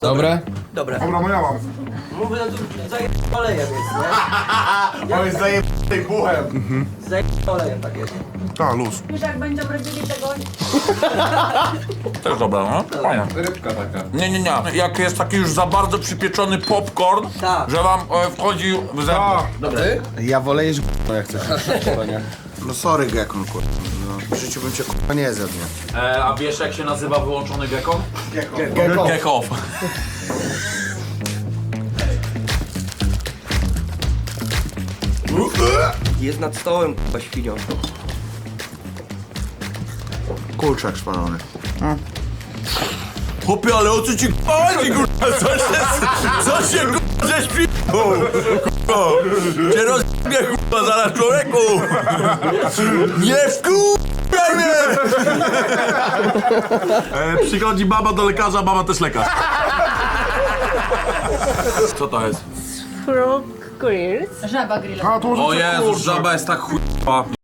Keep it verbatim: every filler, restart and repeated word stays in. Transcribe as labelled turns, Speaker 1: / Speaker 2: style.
Speaker 1: Dobre?
Speaker 2: Dobre.
Speaker 3: Dobra, no ja mam.
Speaker 2: Mówię, no tu zajeb olejem jest, nie?
Speaker 3: On jest zajebany buchem.
Speaker 2: Zajeb olejem tak jest.
Speaker 3: Ta, luz.
Speaker 4: Już jak będą robili tego...
Speaker 5: Też dobra, no? Fajnie.
Speaker 3: Rybka taka.
Speaker 5: Nie, nie, nie. Jak jest taki już za bardzo przypieczony popcorn,
Speaker 2: Tak.
Speaker 5: że wam e, wchodzi w zęby.
Speaker 3: Ty?
Speaker 6: Ja wolę jeść g***o jak chcesz. No sorry Gekon, kurwa. No, w życiu bym cię kurwa nie zjadł, nie?
Speaker 5: E, a wiesz jak się nazywa wyłączony gekon?
Speaker 6: Gekon.
Speaker 5: Gekow.
Speaker 2: Jest nad stołem, k***a, świnią.
Speaker 6: Kurczak szpalony.
Speaker 5: Chłopie, ale o co ci chodzi, kurwa? Co się, co się kurwa, żeś pi***ł? Kurwa, cię rozjebie, kurwa, zaraz człowieku! Nie wkurwaj mnie! E, przychodzi baba do lekarza, baba też lekarz. Co to jest?
Speaker 4: Frog grills. Żaba grillowa.
Speaker 3: A, to może
Speaker 5: O Jezus, żaba jest tak chujowa.